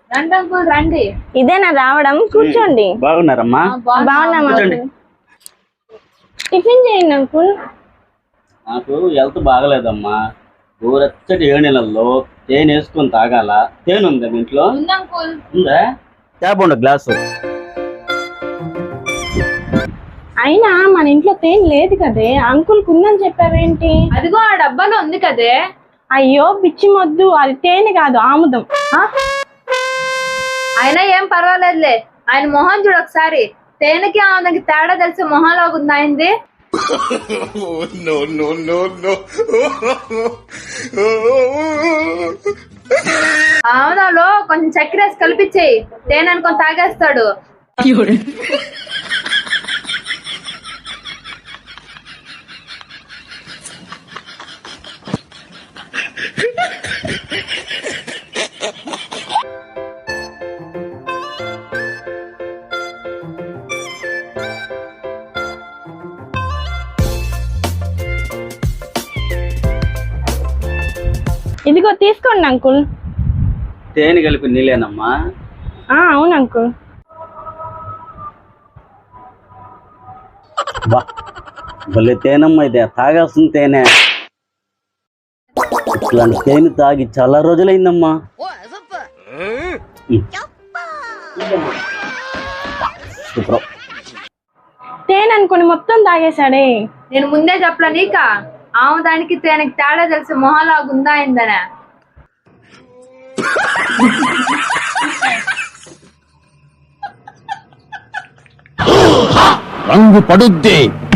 రండి అంకుల్ రండి. ఇదేనా రావడం? కూర్చోండి. బాగున్నారమ్మా? బాగున్నాం అంకుల్. టిఫిన్ చేయండి అంకుల్. నాకు హెల్త్ బాగలేదమ్మా. ఊరచ్చటి 7 నెలల్లో తేనె వేసుకొని తాగాల. తేనె ఉందా మీ ఇంట్లో? ఉంది అంకుల్. ఉందా? తేపండి గ్లాసు. అయినా మన ఇంట్లో తేనె లేదు కదే, అంకుల్ కుందని చెప్పావేంటి? అదిగో ఆ డబ్బాలో ఉంది కదే. అయ్యో పిచ్చి మొద్దు, అది తేనె కాదు ఆముదం. అయినా ఏం పర్వాలేదులే. ఆయన మొహం చూడు ఒకసారి. తేనెకి ఆమెకి తేడా తెలిసే మొహంలాగా ఉంది ఆయనది. ఆముదంలో కొంచెం చక్కెర వేసి కలిపించేయి. తేనె అనుకొని తాగేస్తాడు. ఇదిగో తీసుకోండి అంకుల్. తేనె కలిపి నీళ్ళేనమ్మా? అవును అంకుల్. బా భలే తేనమ్మా, ఇదే తాగాల్సిన తేనె. ఇట్లాంటి తేనె తాగి చాలా రోజులైందమ్మా. సూపర్. తేనె అనుకుని మొత్తం తాగేశాడే. నేను ముందే చెప్పలే నీక ఆముదానికి తేనెకి తేడా తెలిసే మొహంలాగా ఉందా అయిందనే. రంగు పడుద్ది.